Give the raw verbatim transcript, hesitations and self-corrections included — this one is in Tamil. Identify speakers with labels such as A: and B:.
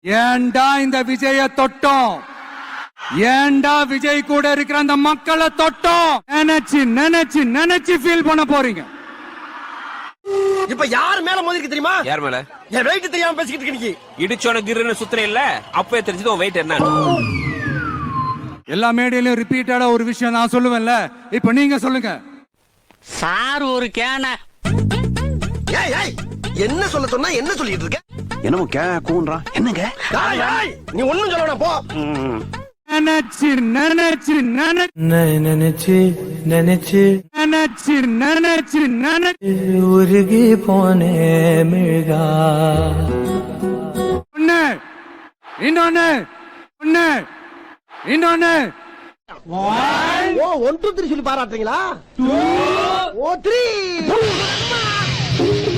A: ஏண்டா இந்த விஜய தொட்டோம், ஏண்டா விஜய் கூட இருக்கிற அந்த மக்களை தொட்டோம் நினைச்சு நினைச்சு நினைச்சு ஃபீல் பண்ண போறீங்க.
B: இப்ப யார் மேல மோதிருக்கு தெரியுமா?
C: யார் மேல?
B: என் வெயிட் தெரியாம பேசிக்கிட்டு இருக்க நீ.
C: இடிச்சோன கிருன்னு சுத்துற இல்ல, அப்பவே தெரிஞ்சது உன் வெயிட் என்ன.
A: எல்லா மேடையிலும் ரிப்பீட்டடா ஒரு விஷயம் நான் சொல்லுவேன்ல, இப்ப நீங்க சொல்லுங்க.
D: சார் ஒரு கேன.
B: ஏய் ஏய் என்ன சொல்ல சொன்னா என்ன சொல்லிட்டு இருக்க?
E: என்னமோ கே கூன்றான். என்னங்க
B: நீ ஒண்ணும் சொல்ல போ.
A: நினைச்சு நினைச்சு நினைச்சு
F: நினைச்சு நினைச்சு
A: நினைச்சு நினைச்சு நினைச்சு
F: உருகி போனே மிழ்கா.
A: ஒண்ணு இன்னொன்னு ஒண்ணு இன்னொன்னு.
B: ஓ ஒன் டூ த்ரீ சொல்லி பாராட்டுறீங்களா? ஓ த்ரீ